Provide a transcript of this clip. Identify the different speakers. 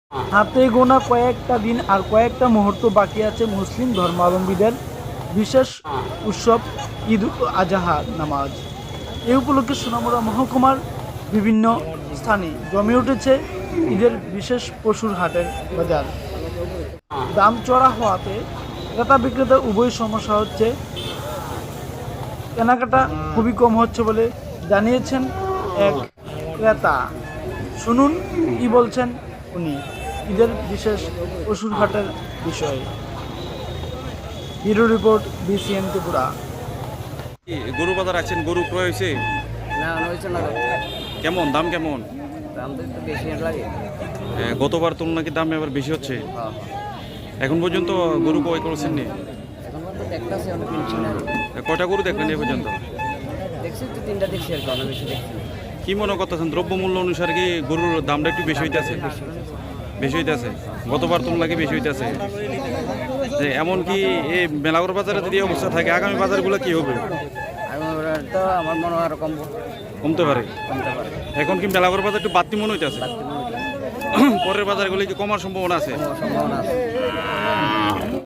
Speaker 1: হাতে গোনা কয়েকটা দিন আর কয়েকটা মুহূর্ত বাকি আছে মুসলিম ধর্মাবলম্বীদের বিশেষ উৎসব ঈদ আজহা নামাজ। এই উপলক্ষে সোনামুড়া মহকুমার বিভিন্ন স্থানে জমে উঠেছে ঈদের বিশেষ পশুর হাটের বাজার। দাম চড়া হওয়াতে ক্রেতা বিক্রেতা উভয় সমস্যা হচ্ছে, কেনাকাটা খুবই কম হচ্ছে বলে জানিয়েছেন এক ক্রেতা। শুনুন কি বলছেন উনি ঈদের বিশেষ পশুর হাটের বিষয়ে। Bureau report, BCN Tripura.
Speaker 2: গরু বাজার আছেন, গরু ক্রয় হয়েছে
Speaker 3: না হয়েছে না,
Speaker 2: কেমন দাম কেমন?
Speaker 3: দাম তো একটু বেশি লাগে।
Speaker 2: গতবার তুলনা কি দাম এবার বেশি হচ্ছে?
Speaker 3: হ্যাঁ,
Speaker 2: এখন পর্যন্ত গরু ক্রয় করেছেন নি?
Speaker 3: এখন তো দেখতেছি অনেক কিনছি না।
Speaker 2: কয়টা গরু দেখলেন এই পর্যন্ত?
Speaker 3: দেখছি তো 3টা দেখছি আর কি, অনেক বেশি দেখছি না।
Speaker 2: কি মনে করতেছেন দ্রব্যমূল্য অনুসারে কি গরুর দামটা একটু বেশি হইতেছে? বেশি হইতেছে, গতবার তুলনা কি বেশি হইতেছে? এমনকি এই মেলাগড় বাজারে যদি এই অবস্থা থাকে আগামী বাজারগুলো কি হবে?
Speaker 3: আর তো আমার মনে হয় আরো
Speaker 2: কমতে পারে।
Speaker 3: কমতে পারে।
Speaker 2: এখন কি মেলাগড় বাজার একটু বাড়তি মনে হইতেছে? পরের বাজারগুলো কি কমার সম্ভাবনা আছে?
Speaker 3: সম্ভাবনা আছে।